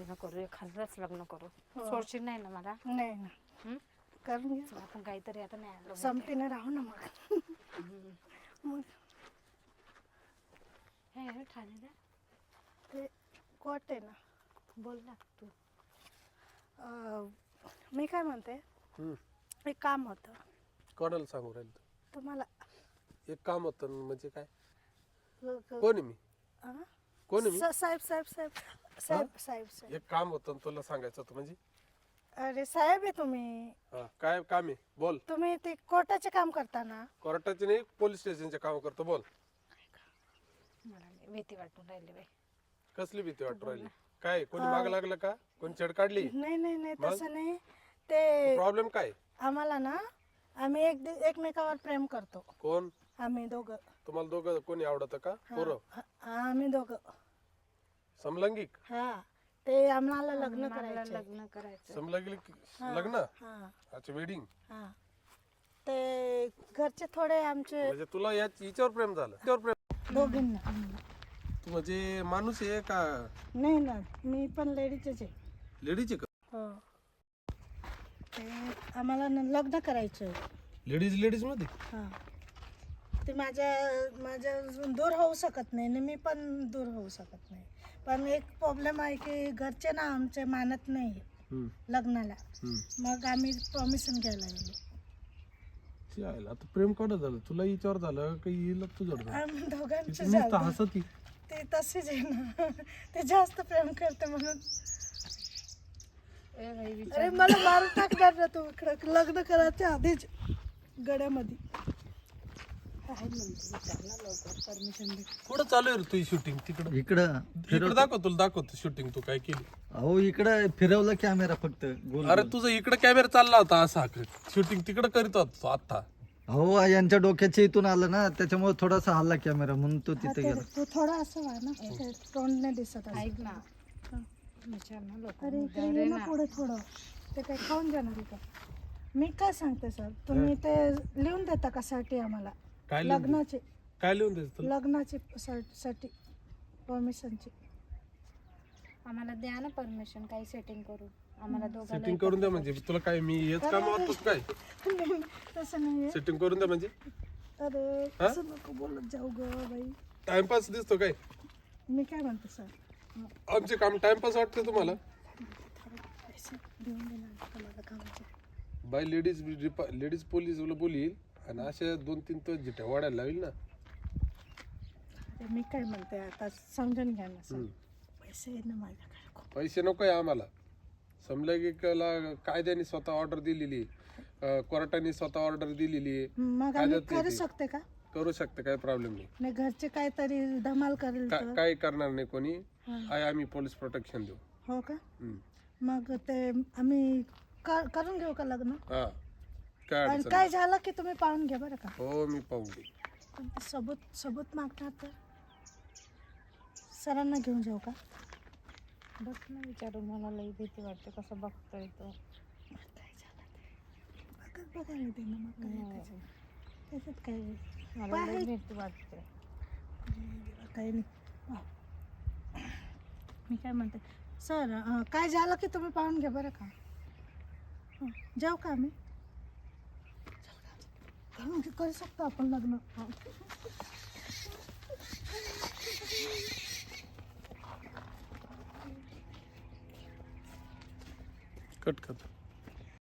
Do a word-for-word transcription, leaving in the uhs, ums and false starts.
लग्न करू, खरंच लग्न करू. सोडशील नाही ना मला? नाही ना. हं? करून घे. आपण काहीतरी आता नाही आलो संपतीने राहू ना मग. मग हे ठाणे ते कोट आहे ना. बोल ना तू. अं, मी काय म्हणते, हम्म. एक काम होतं कोणाला सांगू राहील तू? तुम्हाला. एक काम होतं म्हणजे काय? ग- ग- कोण आहे मी? आ? कोण आहे मी? स- साहेब साहेब साहेब साहेब साहेब साहेब एक काम होतं आणि तुला सांगायचं होतं म्हणजे अरे साहेब आहे तुम्ही. हा, काय काम आहे बोल. तुम्ही ते कोर्टाचे काम करता ना. कोर्टाचे नाही, पोलीस स्टेशनचे काम करतो बोल. मला नाही भीती वाटून राहिली बाई. कसली भीती वाटू राहिली? काय कोणी माग लागलं का? कोणी छेड काढली? नाही नाही नाही मग? तसं नाही. ते प्रॉब्लेम काय? आम्हाला ना, आम्ही एक एकमेकावर प्रेम करतो. कोण? आम्ही दोघं. तुम्हाला दोघं कोणी आवडतं का? पोरं हा, आम्ही दोघं. समलैंगिक? हा, ते आम्हाला लग्न मला करायचं. लग्न करायचं. समलैंगिक लग्न? हा अच्छा, वेडिंग. हा. ते घरचे थोडे आमचे म्हणजे तुला या हिच्यावर प्रेम झालं? हिच्यावर प्रेम? दोघींना. तू म्हणजे माणूस आहे का नाही ना, मी पण लेडीजच आहे. लेडीज आहे का? हो. ते आम्हाला ना लग्न करायचं. लेडीज लेडीज मध्ये? हा. ते माझ्या माझ्या दूर होऊ शकत नाही आणि मी पण दूर होऊ शकत नाही. पण एक प्रॉब्लेम आहे की घरचे ना आमचे मानत नाही हम्म. लग्नाला. हम्म. मग आम्ही परमिशन घ्यायला गेलो. ती आहे, आता प्रेम कोणा झालं? तुला हिच्यावर झालं का हिला तुझ्यावर झालं? आम्ही दोघांचे ती नुसतं झालं. हसती. ते तसेच आहे ना. ते जास्त प्रेम करते म्हणून. ए बाई विचार. अरे मला मारून टाकणार ना तू इकडं लग्न करायच्या आधीच गड्यामध्ये. काय म्हणते विचार ना लवकर परमिशन दे. कुठं चालू आहे रे तुझी शूटिंग? तिकडं इकडं इकडे दाखव, तुला दाखवतो शूटिंग तू काय केली. अहो इकडं फिरवलं कॅमेरा फक्त गोल अरे गोल. तुझा इकडे कॅमेरा चालला होता असा, शूटिंग तिकडे करीत होता तो आता. अहो यांच्या डोक्याच्या इथून आलं ना, त्याच्यामुळे थोडासा हल्ला कॅमेरा म्हणून तो हा, तिथे ते- गेला. तू थोडा असं व्हा ना, ते तोंड नाही दिसत असं. ऐक ना. विचार ना लोक. अरे इकडे ये ना पुढे थोडं. ते काय खाऊन जाणार आहे का? मी काय सांगते सर, तुम्ही ते लिहून देता का साठी आम्हाला काय लिहून दे- लग्नाचे काय लिहून द्यायचं तुला? लग्नाची साठी परमिशनची. आम्हाला द्या ना परमिशन, काही सेटिंग करू आम्हाला दोघांना. सेटिंग करून द्या म्हणजे तुला काय मी हेच काम वाटतोस काय? तसं नाही. सेटिंग करून द्या म्हणजे अरे असं नको बोलत जाऊ ग बाई. टाइमपास दिसतो काय? मी काय म्हणते सर, आमचे काम टाइमपास वाटतं तुम्हाला? पैसे देऊन देणार तुम्हाला कामाचे. बाय लेडीज लेडीज पोलीस बोलील आणि अशा दोन तीन तो जिट्या वाढायला लावेल ना. अरे मी काय म्हणते आता समजून घ्या ना सर. हम्म. पैसे आहेत ना माझ्याकडे खूप. पैसे नको आहे आम्हाला. समलैंगिकला कायद्याने स्वतः ऑर्डर दिलेली, अं, कोर्टाने स्वतः ऑर्डर दिलेली आहे. मग काय आम्ही देते करू ती? शकते का? करू शकते, काही प्रॉब्लेम नाही. नाही घरचे काहीतरी धमाल करेल का- तर. काही करणार नाही कोणी. हा. आहे आम्ही पोलीस प्रोटेक्शन देऊ. हो का? हम्म. मग ते आम्ही कर- करून घेऊ का लग्न? हा, काय आणि अडचण काय नाही. झालं की तुम्ही पाहून घ्या बरं का. हो मी पाहून घे. पण ते सबूत सबूत मागणार तर सरांना घेऊन जाऊ का? बघ ना विचारून, मला लई भीती वाटते कसं बघतोय तो. मग काय झालं ते बघत बघायला दे ना. मग काय नाही. त्याच्यात त्याच्यात काय मला लई बाहेर- भीती वाटते. काही नाही. हा. मी काय म्हणते सर, अं, काय झालं की तुम्ही पाहून घ्या बरं का. हं, जाऊ का आम्ही? जाऊ का? करू शकतो आपण लग्न. कट कर.